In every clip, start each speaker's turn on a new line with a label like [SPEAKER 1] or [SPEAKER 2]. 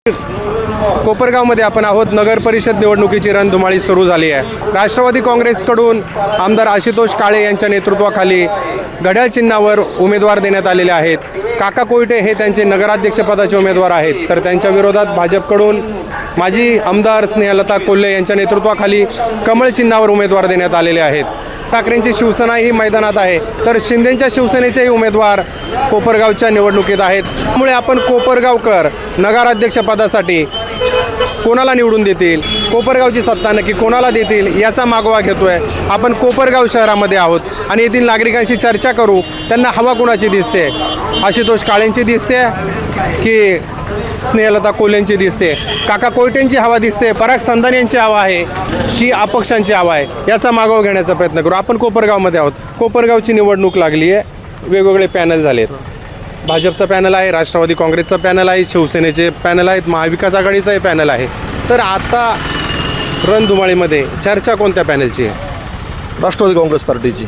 [SPEAKER 1] कोपरगावमध्ये आपण आहोत. नगर परिषद निवडणुकीची रणधुमाळी सुरू झाली आहे. राष्ट्रवादी काँग्रेसकडून आमदार आशुतोष काळे यांच्या नेतृत्वाखाली घड्याळ चिन्हावर उमेदवार देण्यात आलेले आहेत. काका कोयटे हे त्यांचे नगराध्यक्षपदाचे उमेदवार आहेत, तर त्यांच्या विरोधात भाजपकडून माजी आमदार स्नेहलता कोल्हे यांच्या नेतृत्वाखाली कमळ चिन्हावर उमेदवार देण्यात आलेले आहेत. ठाकरेंची शिवसेना ही मैदानात आहे, तर शिंदेंच्या शिवसेनेचेही उमेदवार कोपरगावच्या निवडणुकीत आहेत. त्यामुळे आपण कोपरगावकर नगराध्यक्षपदासाठी कोणाला निवडून देतील, कोपरगावची सत्ता नक्की कोणाला देतील याचा मागोवा घेतोय. आपण कोपरगाव शहरामध्ये आहोत आणि येथील नागरिकांशी चर्चा करू. त्यांना हवा कुणाची दिसते? आशुतोष काळेंची दिसते की स्नेहलता कोल्हेंची दिसते? काका कोयटेंची हवा दिसते, पराग संधान यांची हवा आहे की अपक्षांची हवा आहे? याचा मागोवा घेण्याचा प्रयत्न करू. आपण कोपरगावमध्ये आहोत. कोपरगावची निवडणूक लागली आहे. वेगवेगळे पॅनल झालेत. भाजपचा पॅनल आहे, राष्ट्रवादी काँग्रेसचा पॅनल आहे, शिवसेनेचे पॅनल आहेत, महाविकास आघाडीचाही पॅनल आहे. तर आता रणधुमाळीमध्ये चर्चा कोणत्या पॅनलची आहे?
[SPEAKER 2] राष्ट्रवादी काँग्रेस पार्टीची,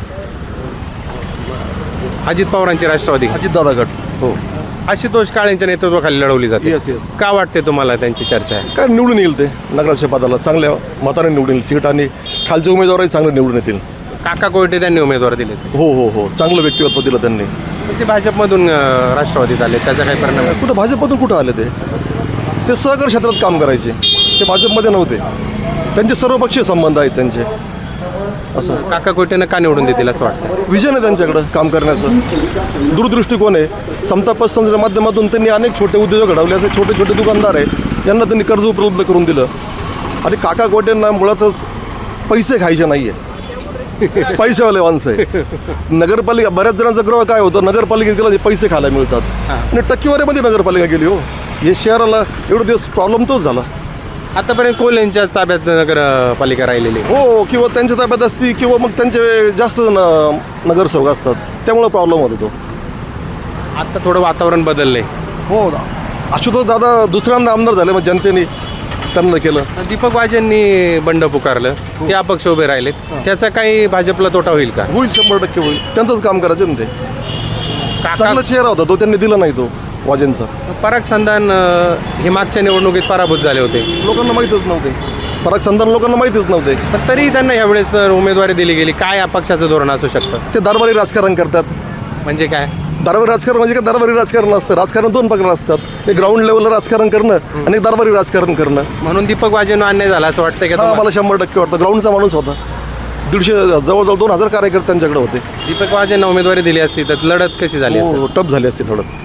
[SPEAKER 1] अजित पवारांची राष्ट्रवादी,
[SPEAKER 2] अजितदादा गट.
[SPEAKER 1] हो, आशुतोष काळेंच्या नेतृत्वाखाली लढवली जाते.
[SPEAKER 2] Yes yes.
[SPEAKER 1] का वाटते तुम्हाला त्यांची चर्चा आहे?
[SPEAKER 2] काय निवडून येईल ते नगराध्यक्ष पदाला चांगल्या मताने निवडून येईल. सीट आणि खालचे उमेदवारही चांगले निवडून येतील.
[SPEAKER 1] काका कोयटे त्यांनी उमेदवार दिले,
[SPEAKER 2] हो हो हो, चांगलं व्यक्तिमत्व दिलं त्यांनी.
[SPEAKER 1] ते भाजपमधून राष्ट्रवादीत आले, त्याचा काही परिणाम आहे?
[SPEAKER 2] कुठं भाजपमधून कुठं आले ते सहकार क्षेत्रात काम करायचे, ते भाजपमध्ये नव्हते. त्यांचे सर्वपक्षीय संबंध आहेत त्यांचे. असं
[SPEAKER 1] काका कोयटेनं का निवडून देतील असं वाटतं?
[SPEAKER 2] विजन आहे त्यांच्याकडं काम करण्याचं, दूरदृष्टिकोन आहे. समता पसंतीच्या माध्यमातून त्यांनी अनेक छोटे उद्योजक घडवले. असे छोटे छोटे दुकानदार आहे, यांना त्यांनी कर्ज उपलब्ध करून दिलं. आणि काका कोयटेंना मुळातच पैसे खायचे नाही आहे, पैसेवाले माणसं आहे. नगरपालिका बऱ्याच जणांचा ग्रह काय होतं, नगरपालिकेत गेला पैसे खायला मिळतात आणि टक्केवारीमध्ये नगरपालिका गेली. हो, हे शहराला एवढे दिवस प्रॉब्लेम तोच झाला.
[SPEAKER 1] आतापर्यंत कोल्हेंच्याच ताब्यात नगरपालिका राहिलेली,
[SPEAKER 2] हो, किंवा त्यांच्या ताब्यात असती किंवा मग त्यांचे जास्त नगरसेवक असतात, त्यामुळे प्रॉब्लेम होतो तो.
[SPEAKER 1] आता थोडं वातावरण बदललंय.
[SPEAKER 2] हो, आशुतोष दादा दुसऱ्यांदा आमदार झाले, मग जनतेने त्यांना केलं.
[SPEAKER 1] दीपक वाजेंनी बंड पुकारलं, ते अपक्ष उभे राहिलेत. त्याचा काही भाजपला तोटा होईल का?
[SPEAKER 2] होईल, 100% होईल. त्यांचंच काम करायचं ना ते. चांगला चेहरा होता तो, त्यांनी दिला नाही तो वाजेंचा.
[SPEAKER 1] पराग संधान हे मागच्या निवडणुकीत पराभूत झाले होते,
[SPEAKER 2] लोकांना माहीतच नव्हते. पराग संधान लोकांना माहीतच नव्हते,
[SPEAKER 1] पण तरी त्यांना यावेळेस उमेदवारी दिली गेली. काय अपक्षाचं धोरण असू शकतं?
[SPEAKER 2] ते दरबारी राजकारण करतात.
[SPEAKER 1] म्हणजे काय
[SPEAKER 2] दरबारी राजकारण म्हणजे काय? दरबारी राजकारण असतं. राजकारण दोन प्रकार असतात, एक ग्राउंड लेवलला राजकारण करणं आणि एक दरबारी राजकारण करणं.
[SPEAKER 1] म्हणून दीपक वाजेंना अन्याय झाला असं वाटतं का
[SPEAKER 2] हा,
[SPEAKER 1] तुम्हाला?
[SPEAKER 2] मला 100% वाटतं. ग्राउंडचा माणूस होता. 150 जवळजवळ 2000 कार्यकर्ते त्यांच्याकडे होते.
[SPEAKER 1] दीपक वाजेंना उमेदवारी दिली असती तर लढत कशी झाली असती?
[SPEAKER 2] हो, टप झाली असते थोडं.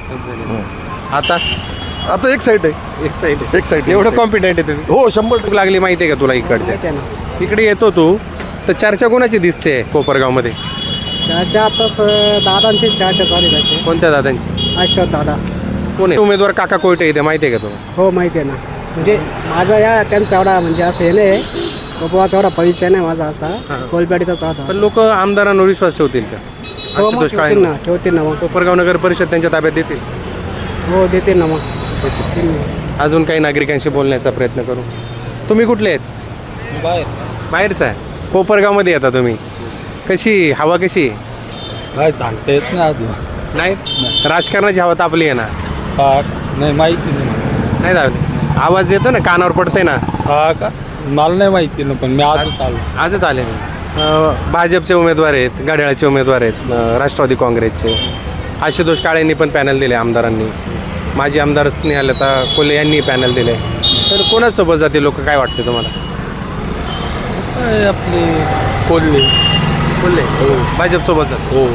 [SPEAKER 2] आता एक साईड आहे, एक साईड.
[SPEAKER 1] एवढं कॉन्फिडेंट आहे तुम्ही?
[SPEAKER 2] हो, 100%
[SPEAKER 1] लागली माहिती आहे का तुला? इकडच्या इकडे येतो तू, तर चर्चा कोणाची दिसते कोपरगावमध्ये?
[SPEAKER 3] चहाच्या आताच दादांची चहाच्या चालू आहे.
[SPEAKER 1] कोणत्या दादांची?
[SPEAKER 3] आश्वत दादा.
[SPEAKER 1] कोण आहे उमेदवार? काका कोयटे इथे माहिती आहे का तुला?
[SPEAKER 3] हो, माहिती आहे ना. म्हणजे माझा या त्यांचा एवढा म्हणजे असं हे नाही, बाबाचा एवढा परिचय नाही माझा असा. कोलपेटीचाच होता.
[SPEAKER 1] पण लोक आमदारांवर विश्वास ठेवतील का?
[SPEAKER 3] हो, मग
[SPEAKER 1] आशुतोष काळे
[SPEAKER 3] ठेवतील ना, ठेवतील ना. मग
[SPEAKER 1] कोपरगाव नगर परिषद त्यांच्या ताब्यात देतील?
[SPEAKER 3] हो, देतील ना. मग
[SPEAKER 1] अजून काही नागरिकांशी बोलण्याचा प्रयत्न करू. तुम्ही कुठले आहेत? बाहेरचा आहे. कोपरगावमध्ये येता तुम्ही. कशी हवा कशी?
[SPEAKER 4] काय सांगता येत नाही अजून.
[SPEAKER 1] नाही, राजकारणाची हवा तापली आहे ना?
[SPEAKER 4] हा, नाही माहिती
[SPEAKER 1] नाही दाखवली. आवाज येतो ना, कानावर पडते ना.
[SPEAKER 4] हा का? मला नाही माहिती ना, पण मी आजच आलो.
[SPEAKER 1] आजच आले. भाजपचे उमेदवार आहेत, घड्याळाचे उमेदवार आहेत, राष्ट्रवादी काँग्रेसचे. आशुतोष काळेंनी पण पॅनल दिले आमदारांनी. माजी आमदार स्नेहलता कोल्हे यांनी पॅनल दिले. तर कोणासोबत जाते लोक, काय वाटते तुम्हाला?
[SPEAKER 4] काय आपले कोल्हे.
[SPEAKER 1] कोल्हे भाजपसोबत जात.
[SPEAKER 4] हो.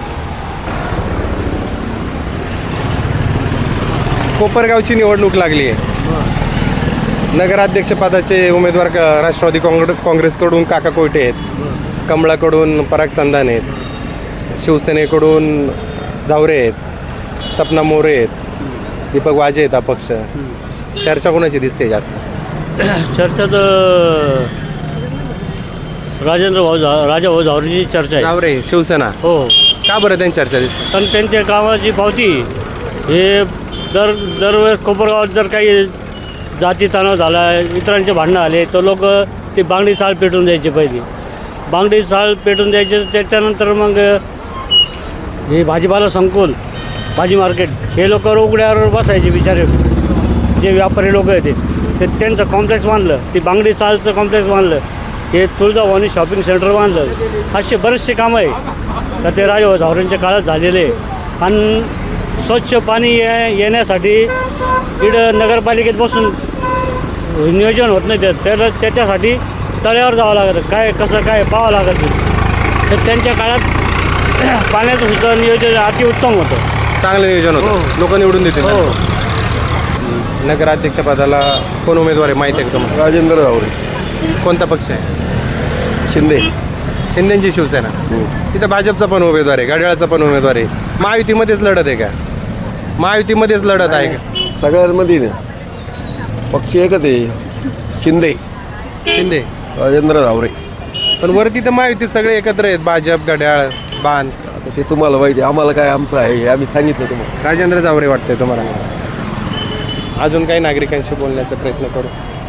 [SPEAKER 1] कोपरगावची निवडणूक लागली आहे. नगराध्यक्षपदाचे उमेदवार राष्ट्रवादी काँग्रेसकडून काका कोयटे आहेत, कमळाकडून पराग संधान आहेत, शिवसेनेकडून झावरे आहेत, सपना मोरे आहेत, दीपक वाजे आहेत अपक्ष. चर्चा कोणाची दिसते जास्त?
[SPEAKER 5] चर्चा तर राजा भाऊ झावरेची चर्चा आहे.
[SPEAKER 1] झावरे शिवसेना.
[SPEAKER 5] हो,
[SPEAKER 1] का बरं त्यांची चर्चा दिसते?
[SPEAKER 5] पण त्यांच्या कामाची पावती हे दरवेळेस कोपरगावात जर काही जाती तणाव झाला, इतरांचे भांडणं आले, तर लोक ते बांगडी चाळ पेटून द्यायचे. पहिली बांगडी चाळ पेटून द्यायचे, त्याच्यानंतर मग हे भाजीपाला संकुल, भाजी मार्केट, हे लोक उघड्यावर बसायचे बिचारे. जे व्यापारी लोक आहेत ते त्यांचं कॉम्प्लेक्स बांधलं, ती बांगडी चालचं कॉम्प्लेक्स बांधलं, हे तुळजाभवानी शॉपिंग सेंटर बांधलं, असे बरेचसे कामं आहे तर ते राजा झावरेंच्या काळात झालेले आहे. आणि स्वच्छ पाणी येण्यासाठी इकडं नगरपालिकेत बसून नियोजन होत नाही तर त्याच्यासाठी तळ्यावर जावं लागतं, काय कसं काय पाहावं लागतं. तर त्यांच्या काळात पाण्याचं सुद्धा नियोजन अतिउत्तम होतं.
[SPEAKER 1] चांगलं नियोजन होतं, लोक निवडून देतील.
[SPEAKER 5] हो.
[SPEAKER 1] नगराध्यक्षपदाला कोण उमेदवार आहे माहिती आहे का तुम्हाला?
[SPEAKER 2] राजेंद्र जावरे.
[SPEAKER 1] कोणता पक्ष आहे?
[SPEAKER 2] शिंदे.
[SPEAKER 1] शिंदेची शिवसेना. तिथं भाजपचा पण उमेदवार आहे, घड्याळाचा पण उमेदवार आहे. महायुतीमध्येच लढत आहे का? महायुतीमध्येच लढत आहे का?
[SPEAKER 2] सगळ्यांमध्ये ना पक्ष एकच आहे, शिंदे
[SPEAKER 1] शिंदे.
[SPEAKER 2] राजेंद्र जावरे.
[SPEAKER 1] पण वरती तर महायुतीत सगळे एकत्र आहेत, भाजप, घड्याळ, बाण.
[SPEAKER 2] आता ते तुम्हाला माहिती आहे, आम्हाला काय आमचं आहे हे आम्ही सांगितलं तुम्हाला.
[SPEAKER 1] राजेंद्र जावरे वाटतंय तुम्हाला? अजून काही नागरिकांशी बोलण्याचा प्रयत्न करू.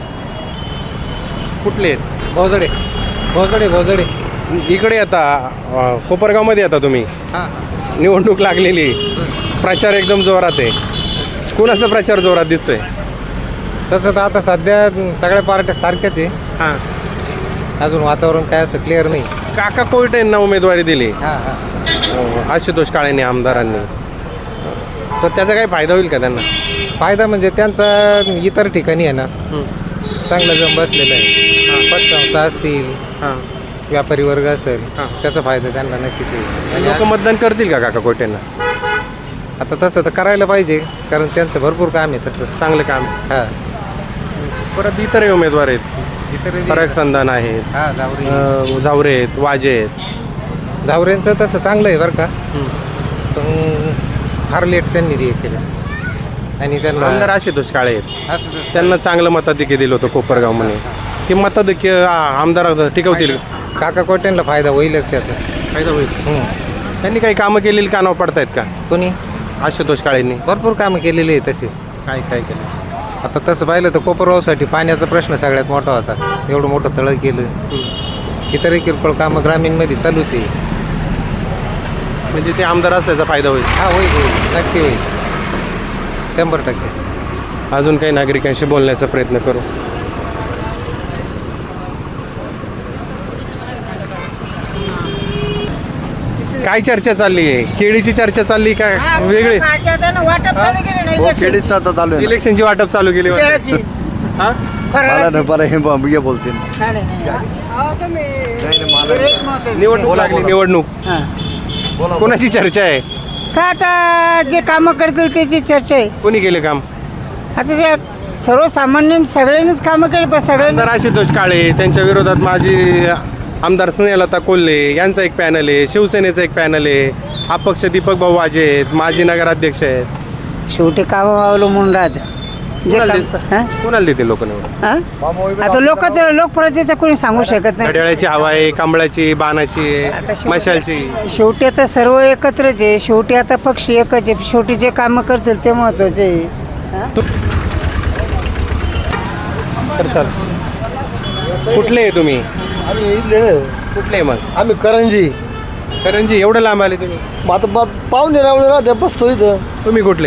[SPEAKER 1] कुठले आहेत?
[SPEAKER 6] भोजडे भोजडे भोजडे
[SPEAKER 1] इकडे आता कोपरगावमध्ये आता तुम्ही, निवडणूक लागलेली, प्रचार एकदम जोरात आहे. कुणाचा प्रचार जोरात दिसतोय?
[SPEAKER 6] तसं तर आता सध्या सगळ्या पार्ट्या सारख्याच आहे.
[SPEAKER 1] हां.
[SPEAKER 6] अजून वातावरण काय असं क्लिअर नाही.
[SPEAKER 1] काका कोयटे यांना उमेदवारी दिली
[SPEAKER 6] हां हां
[SPEAKER 1] आशुतोष काळेंनी, आमदारांनी, तर त्याचा काही फायदा होईल का त्यांना?
[SPEAKER 6] फायदा म्हणजे त्यांचा इतर ठिकाणी आहे ना चांगलं जम बसलेलं आहे. पतसंस्था असतील,
[SPEAKER 1] हां.
[SPEAKER 6] व्यापारी वर्ग असेल,
[SPEAKER 1] हां.
[SPEAKER 6] त्याचा फायदा त्यांना नक्कीच होईल.
[SPEAKER 1] लोक मतदान करतील का काका कोयटेंना?
[SPEAKER 6] आता तसं तर करायला पाहिजे, कारण त्यांचं भरपूर काम आहे तसं.
[SPEAKER 1] चांगलं काम आहे.
[SPEAKER 6] हां
[SPEAKER 1] परत इतरही उमेदवार आहेत,
[SPEAKER 6] इतर
[SPEAKER 1] फरक संधान आहेत,
[SPEAKER 6] हां जावरे
[SPEAKER 1] झावरे आहेत, वाजे आहेत.
[SPEAKER 6] जावरेंचं तसं चांगलं आहे बरं का, पण फार लेट त्यांनी हे केलं. आणि
[SPEAKER 1] आमदार
[SPEAKER 6] त्यांना
[SPEAKER 1] आशुतोष काळे आहेत, त्यांना चांगलं मताधिक्य दिलं होतं कोपरगावमध्ये. ते मताधिक्य आमदार टिकवतील?
[SPEAKER 6] काका कोट्यांना फायदा होईलच त्याचा.
[SPEAKER 1] फायदा होईल. त्यांनी काही कामं केलेली कानावर पडतायत का
[SPEAKER 6] कोणी
[SPEAKER 1] आशुतोष काळेंनी?
[SPEAKER 6] भरपूर कामं केलेली आहे तसे.
[SPEAKER 1] काय काय केलं?
[SPEAKER 6] आता तसं पाहिलं तर कोपरगावसाठी पाण्याचा प्रश्न सगळ्यात मोठा होता. एवढं मोठं तळं केलं. इतरही किरकोळ कामं ग्रामीणमध्ये चालूच आहे.
[SPEAKER 1] म्हणजे ते आमदार असल्याचा फायदा होईल.
[SPEAKER 6] हा होईल होईल नक्की होईल 100%.
[SPEAKER 1] अजून काही नागरिकांशी बोलण्याचा प्रयत्न करू. काय चर्चा चालली आहे? केळीची चर्चा चालली का वेगळी?
[SPEAKER 2] खेडीचा आता चालू आहे.
[SPEAKER 1] इलेक्शनची वाटप चालू केली वाटतं. हा?
[SPEAKER 2] बोलते
[SPEAKER 1] निवडणूक लागली, निवडणूक. कोणाची चर्चा आहे?
[SPEAKER 7] का आता जे कामं करतील त्याची चर्चा आहे.
[SPEAKER 1] कोणी केले काम?
[SPEAKER 7] आता जे सर्वसामान्य सगळ्यांनीच कामं केली पण सगळ्यांनी
[SPEAKER 1] आमदार आशुतोष काळे, त्यांच्या विरोधात माजी आमदार स्नेहलता कोल्हे यांचा एक पॅनल आहे, शिवसेनेचा एक पॅनल आहे, अपक्ष दीपक भाऊ वाजे आहेत, माजी नगराध्यक्ष आहेत.
[SPEAKER 7] शेवटी कामं अवलंबून राहत जे
[SPEAKER 1] कोणाला देते लोक निवडून?
[SPEAKER 7] आता लोकप्रजेचं कोणी सांगू शकत नाही.
[SPEAKER 1] घड्याळाची हवा आहे, कमळाची, बाणाची, मशालची.
[SPEAKER 7] शेवटी आता सर्व एकत्रच आहे. शेवटी आता पक्ष एकच आहे. शेवटी जे कामं करतील ते महत्वाचे आहे.
[SPEAKER 1] तर चल, कुठले आहे तुम्ही?
[SPEAKER 2] आम्ही इथले
[SPEAKER 1] कुठले आहे मग?
[SPEAKER 2] आम्ही करंजी.
[SPEAKER 1] करंजी. एवढं लांब आले तुम्ही?
[SPEAKER 2] आता पाहुणे रावळे राहते बसतो इथं.
[SPEAKER 1] तुम्ही कुठले?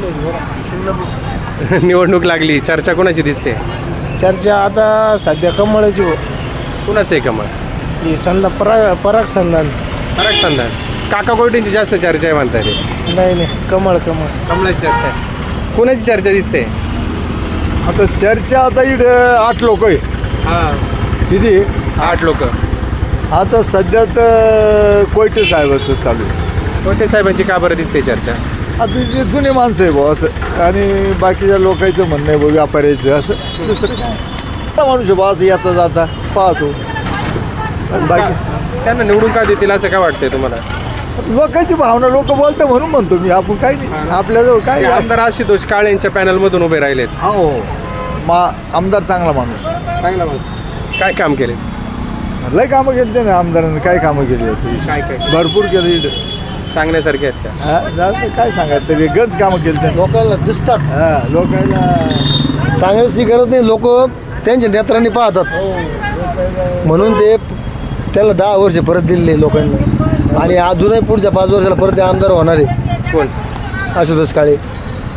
[SPEAKER 1] निवडणूक लागली, चर्चा कोणाची दिसते?
[SPEAKER 3] चर्चा आता सध्या कमळाची हो.
[SPEAKER 1] कुणाचं आहे कमळ?
[SPEAKER 3] ही संधा पराग संधान.
[SPEAKER 1] फरक संधान. काका कोयटेंची जास्त चर्चा आहे म्हणताय ते.
[SPEAKER 3] नाही कमळ
[SPEAKER 1] कमळाची चर्चा आहे. कुणाची चर्चा दिसते?
[SPEAKER 2] आता चर्चा आता इकडे 8 लोक आहे.
[SPEAKER 1] हां.
[SPEAKER 2] किती?
[SPEAKER 1] 8 लोक.
[SPEAKER 2] आता सध्या तर कोयटे साहेबाचं चालू आहे.
[SPEAKER 1] कोयटे साहेबांची का बरं दिसते चर्चा?
[SPEAKER 2] आता ते जुने माणसं आहे भाऊ असं, आणि बाकीच्या लोकांचं म्हणणं आहे भाऊ व्यापाऱ्याचं असं दुसरं काय माणूस भाऊ असं येता जाता पाहतो. आणि बाकी
[SPEAKER 1] त्यांना निवडून का देतील असं काय वाटतंय तुम्हाला?
[SPEAKER 2] लोकांची भावना लोक बोलतं म्हणून म्हणतो मी. आपण काही नाही, आपल्याजवळ काय आहे?
[SPEAKER 1] आमदार आशुतोष काळे यांच्या पॅनलमधून उभे राहिलेत.
[SPEAKER 2] हो आमदार चांगला माणूस.
[SPEAKER 1] चांगला माणूस. काय काम केले?
[SPEAKER 2] लय कामं केली ते ना आमदारांनी. काय कामं केली होती?
[SPEAKER 1] काय काय
[SPEAKER 2] भरपूर केली इकडे.
[SPEAKER 1] सांगण्यासारखे आहेत का?
[SPEAKER 2] हा, जाऊ दे, काय सांगायचं तरी गंज कामं केली त्यांनी.
[SPEAKER 8] लोकांना दिसतात,
[SPEAKER 2] हा लोकांना
[SPEAKER 8] सांगायची गरज नाही. लोक त्यांच्या नेत्रांनी पाहतात म्हणून ते त्याला 10 वर्ष परत दिले लोकांना. आणि अजूनही पुढच्या 5 वर्षाला परत ते आमदार होणार आहे.
[SPEAKER 1] कोण?
[SPEAKER 8] आशुतोष काळे.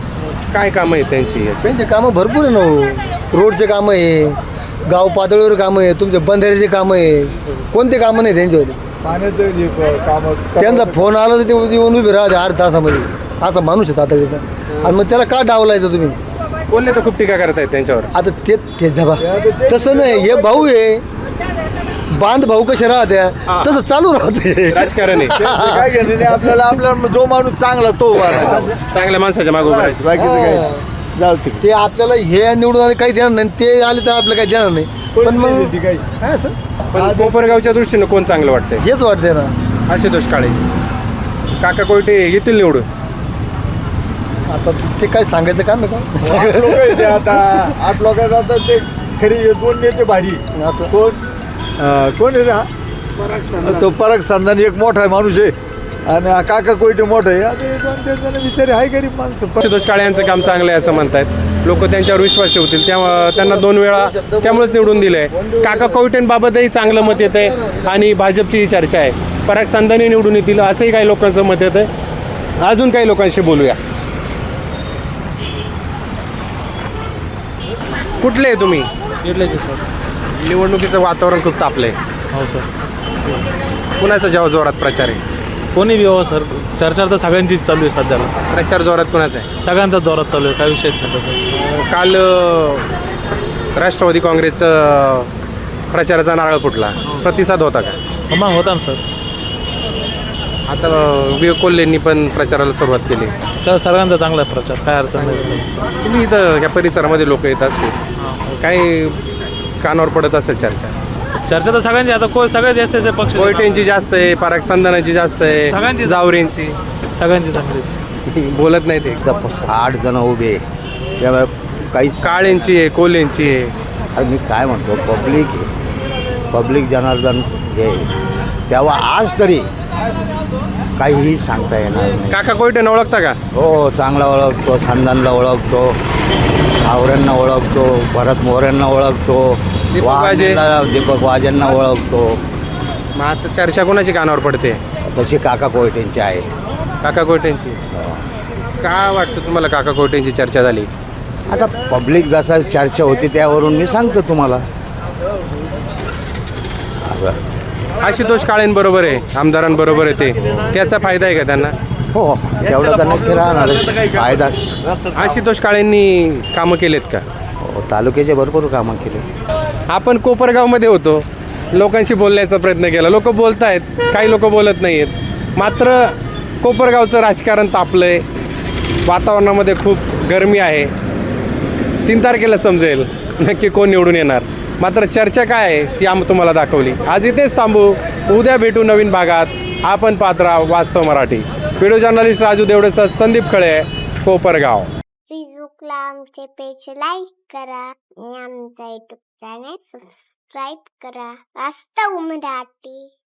[SPEAKER 1] काय कामं आहे त्यांची?
[SPEAKER 8] त्यांचे कामं भरपूर आहे ना हो. रोडचे कामं आहे, गाव पातळीवर कामं आहे, तुमचे बंधाऱ्याचे कामं आहे. कोणते कामं नाही त्यांच्यावर? त्यांचा फोन आला तर ते येऊन उभे राहते अर्ध्या तासामध्ये. असा माणूस आहे तातडीचा. आणि मग त्याला का डावलायचं तुम्ही?
[SPEAKER 1] बोलले तर खूप टीका करतायत त्यांच्यावर.
[SPEAKER 8] आता ते धबा तसं नाही, हे भाऊ आहे, बांध भाऊ कसे राहत्या तसं चालू राहते
[SPEAKER 1] राजकारण आहे.
[SPEAKER 9] काय घेणं नाही आपल्याला. आपला जो माणूस चांगला तो
[SPEAKER 1] चांगल्या माणसाच्या मागे उभं राहायचं.
[SPEAKER 9] बाकीचं काय जाऊ ते.
[SPEAKER 8] ते आपल्याला हे निवडून आले काही देणार नाही, ते आले तर आपल्याला काही देणार नाही. पण मग काय असं
[SPEAKER 1] पण कोपरगावच्या दृष्टीनं कोण चांगलं वाटतंय?
[SPEAKER 8] हेच वाटते ना.
[SPEAKER 1] आशुतोष काळे, काका कोयटे येतील निवडून.
[SPEAKER 8] आता ते काय सांगायचं काम आहे का?
[SPEAKER 9] 8 लोक आहेत ते आता. 8 लोकांचं आता ते खरी 2 नेते भारी.
[SPEAKER 8] असं
[SPEAKER 9] कोण आहे ना तो पराग संधानी एक मोठा माणूस आहे आणि हा काका कोयटे मोठा आहे. आता 2-3 जण बिचारे आहे गरीब माणसं.
[SPEAKER 1] आशुतोष काळे यांचं काम चांगलं आहे असं म्हणतायत लोक. त्यांच्यावर विश्वास ठेवतील, त्यांना 2 वेळा त्यामुळेच निवडून दिलंय. काका कोयटेंबाबतही चांगलं मत येत आहे आणि भाजपची चर्चा आहे. पराग संधानी निवडून येतील असंही काही लोकांचं मत येत आहे. अजून काही लोकांशी बोलूया. कुठले आहे तुम्ही?
[SPEAKER 4] इडल्याचे सर.
[SPEAKER 1] निवडणुकीचं वातावरण खूप तापलंय.
[SPEAKER 4] हो सर.
[SPEAKER 1] कुणाचा जेव्हा जोरात प्रचार आहे?
[SPEAKER 4] कोणी बी हो सर, चर्चा तर सगळ्यांचीच चालू आहे सध्याला.
[SPEAKER 1] प्रचार जोरात कुणाचा आहे?
[SPEAKER 4] सगळ्यांचा जोरात चालू आहे, काय विषयच नाही.
[SPEAKER 1] काल राष्ट्रवादी काँग्रेसचं प्रचाराचा नारळ फुटला, प्रतिसाद होता का?
[SPEAKER 4] मग होता ना सर.
[SPEAKER 1] आता विवेक कोल्हेंनी पण प्रचाराला सुरुवात केली.
[SPEAKER 4] सर्वांचा चांगला आहे प्रचार, काय अडचण नाही.
[SPEAKER 1] तुम्ही इथं ह्या परिसरामध्ये लोक येत असतील, काही कानावर पडत असेल चर्चा?
[SPEAKER 4] चर्चा तर सगळ्यांची, आता सगळे जास्त पक्ष
[SPEAKER 1] कोयटेंची जास्त आहे, पराग संधानाची जास्त आहे,
[SPEAKER 4] सगळ्यांची.
[SPEAKER 1] जावरेंची.
[SPEAKER 4] सगळ्यांची चांगली.
[SPEAKER 1] बोलत नाही ते.
[SPEAKER 10] 8 जण उभे, त्यामुळे काहीच.
[SPEAKER 1] काळेंची आहे, कोल्हेंची आहे.
[SPEAKER 10] मी काय म्हणतो, पब्लिक आहे, पब्लिक जनार्दन हे, तेव्हा आज तरी काहीही सांगता येणार नाही.
[SPEAKER 1] काका कोयटेंना ओळखता का?
[SPEAKER 10] हो, चांगला ओळखतो, संधानला ओळखतो, आवऱ्यांना ओळखतो, भरत मोऱ्यांना ओळखतो,
[SPEAKER 1] दीपक वाजे.
[SPEAKER 10] दीपक वाजेंना ओळखतो.
[SPEAKER 1] मग आता चर्चा कोणाची कानावर पडते?
[SPEAKER 10] तशी काका कोयटेंची आहे.
[SPEAKER 1] काका कोयटेंची. का वाटतं तुम्हाला काका कोयटेंची चर्चा झाली?
[SPEAKER 10] आता पब्लिक जसा चर्चा होती त्यावरून मी सांगतो तुम्हाला. असं
[SPEAKER 1] आशुतोष काळेंबरोबर आहे, आमदारांबरोबर आहे ते, त्याचा फायदा आहे का त्यांना?
[SPEAKER 10] हो, तेवढा तर नक्की राहणार फायदा.
[SPEAKER 1] आशुतोष काळेंनी कामं केलेत का?
[SPEAKER 10] हो, तालुक्याचे भरपूर कामं केले.
[SPEAKER 1] आपण कोपरगावमध्ये होतो, लोकांशी बोलण्याचा प्रयत्न केला. लोक बोलत आहेत, काही लोक बोलत नाही आहेत. मात्र कोपरगावचं राजकारण तापलंय, वातावरणामध्ये खूप गरमी आहे. 3 तारखेला समजेल नक्की कोण निवडून येणार. मात्र चर्चा काय आहे ती तुम्हाला दाखवली. आज इथेच थांबू, उद्या भेटू नवीन भागात. आपण पाहत राहा वास्तव मराठी. व्हिडिओ जर्नलिस्ट राजू देवडेसह संदीप खळे, कोपरगाव.
[SPEAKER 11] फेसबुकला आमचे पेज लाईक करा आणि आमचा युट्यूब चॅनेल सबस्क्राईब करा. वास्तव मराठी.